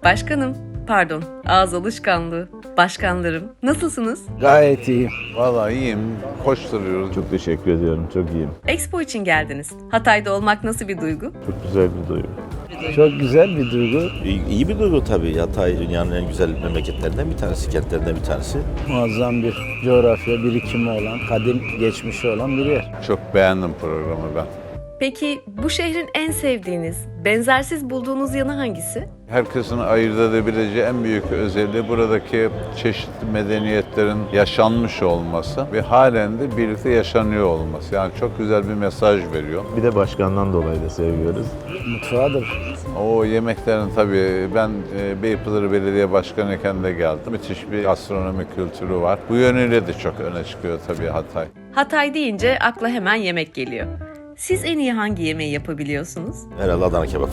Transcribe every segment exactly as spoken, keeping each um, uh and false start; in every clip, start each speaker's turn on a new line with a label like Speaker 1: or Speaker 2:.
Speaker 1: Başkanım, pardon, ağız alışkanlığı. Başkanlarım, nasılsınız?
Speaker 2: Gayet iyiyim.
Speaker 3: Vallahi iyiyim, koşturuyoruz.
Speaker 4: Çok teşekkür ediyorum, çok iyiyim.
Speaker 1: Expo için geldiniz. Hatay'da olmak nasıl bir duygu?
Speaker 4: Çok güzel bir duygu.
Speaker 2: Çok güzel bir duygu.
Speaker 5: İyi, iyi bir duygu tabii. Hatay dünyanın en güzel memleketlerinden bir tanesi, kentlerinden bir tanesi.
Speaker 2: Muazzam bir coğrafya birikimi olan, kadim geçmişi olan bir yer.
Speaker 3: Çok beğendim programı ben.
Speaker 1: Peki bu şehrin en sevdiğiniz, benzersiz bulduğunuz yanı hangisi?
Speaker 3: Herkesin ayırt edebileceği en büyük özelliği buradaki çeşitli medeniyetlerin yaşanmış olması ve halen de birlikte yaşanıyor olması. Yani çok güzel bir mesaj veriyor.
Speaker 4: Bir de başkandan dolayı da seviyoruz.
Speaker 2: Mutfağıdır.
Speaker 3: O yemeklerin tabii ben e, Beypazarı Belediye Başkanı iken de geldim. Müthiş bir gastronomi kültürü var. Bu yönüyle de çok öne çıkıyor tabii Hatay.
Speaker 1: Hatay deyince akla hemen yemek geliyor. Siz en iyi hangi yemeği yapabiliyorsunuz?
Speaker 5: Herhalde Adana kebap.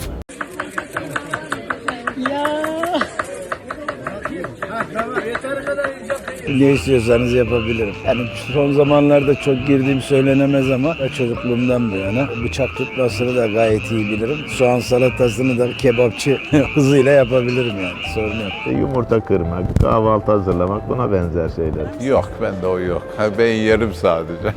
Speaker 2: Ne istiyorsanız yapabilirim. Yani son zamanlarda çok girdiğim söylenemez ama çocukluğumdan bu yana bıçak tutmasını da gayet iyi bilirim. Soğan salatasını da kebapçı hızıyla yapabilirim yani. Sorun yok.
Speaker 4: İşte yumurta kırmak, kahvaltı hazırlamak buna benzer şeyler.
Speaker 3: Yok, bende o yok. Ha, ben yerim sadece.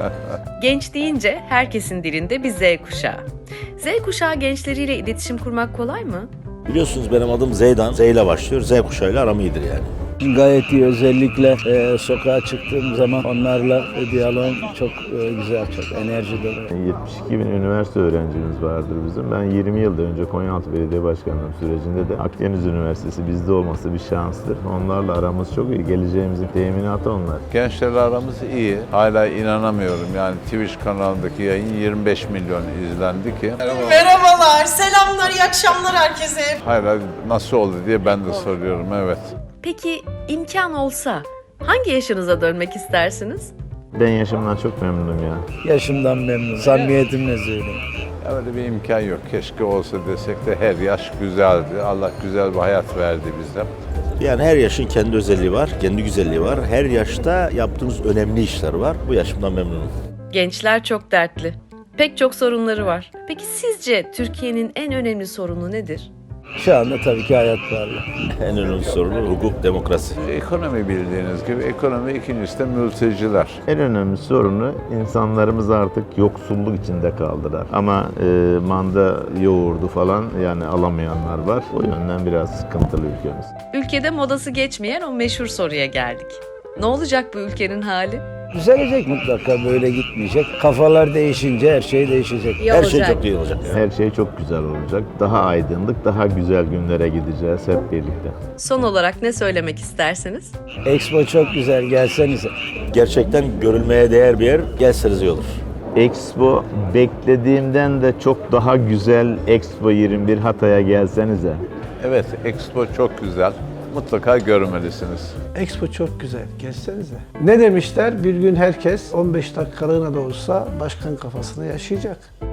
Speaker 1: Genç deyince herkesin dilinde bir Z kuşağı. Z kuşağı gençleriyle iletişim kurmak kolay mı?
Speaker 5: Biliyorsunuz benim adım Zeydan. Z ile başlıyor. Z kuşağıyla aram iyidir yani.
Speaker 2: Gayet iyi. Özellikle e, sokağa çıktığım zaman onlarla diyalogum çok e, güzel, çok enerji dolu.
Speaker 4: yetmiş iki bin üniversite öğrencimiz vardır bizim. Ben yirmi yıl önce Konyaaltı Belediye Başkanlığı sürecinde de Akdeniz Üniversitesi bizde olması bir şanstır. Onlarla aramız çok iyi. Geleceğimizin teminatı onlar.
Speaker 3: Gençlerle aramız iyi. Hala inanamıyorum. Yani Twitch kanalındaki yayın yirmi beş milyon izlendi ki.
Speaker 6: Merhabalar, selamlar, iyi akşamlar herkese.
Speaker 3: Hala nasıl oldu diye ben de soruyorum, evet.
Speaker 1: Peki imkan olsa hangi yaşınıza dönmek istersiniz?
Speaker 4: Ben yaşımdan çok memnunum ya.
Speaker 2: Yaşımdan memnunum. Samimiyetimle söyleyeyim.
Speaker 3: Ya öyle bir imkan yok. Keşke olsa desek de her yaş güzeldi. Allah güzel bir hayat verdi bize.
Speaker 5: Yani her yaşın kendi özelliği var, kendi güzelliği var. Her yaşta yaptığımız önemli işler var. Bu yaşımdan memnunum.
Speaker 1: Gençler çok dertli. Pek çok sorunları var. Peki sizce Türkiye'nin en önemli sorunu nedir?
Speaker 2: Şu anda tabii ki hayat pahalı.
Speaker 5: En önemli sorunu hukuk, demokrasi.
Speaker 3: Ekonomi bildiğiniz gibi, ekonomi ikincisi de mülteciler.
Speaker 4: En önemli sorunu insanlarımız artık yoksulluk içinde kaldılar. Ama e, manda yoğurdu falan yani alamayanlar var. O yönden biraz sıkıntılı ülkemiz.
Speaker 1: Ülkede modası geçmeyen o meşhur soruya geldik. Ne olacak bu ülkenin hali?
Speaker 2: Düzelecek mutlaka, böyle gitmeyecek. Kafalar değişince her şey değişecek.
Speaker 1: İyi
Speaker 5: Her şey
Speaker 1: olacak.
Speaker 5: çok iyi olacak.
Speaker 4: Her şey çok güzel olacak. Daha aydınlık, daha güzel günlere gideceğiz hep birlikte.
Speaker 1: Son olarak ne söylemek istersiniz?
Speaker 2: Expo çok güzel, gelsenize.
Speaker 5: Gerçekten görülmeye değer bir yer. Gelseniz iyi olur.
Speaker 4: Expo beklediğimden de çok daha güzel. Expo yirmi bir Hatay'a gelsenize.
Speaker 3: Evet, Expo çok güzel. Mutlaka görmelisiniz.
Speaker 7: Expo çok güzel. Gelsenize. Ne demişler? Bir gün herkes on beş dakikalığına da olsa başkan kafasını yaşayacak.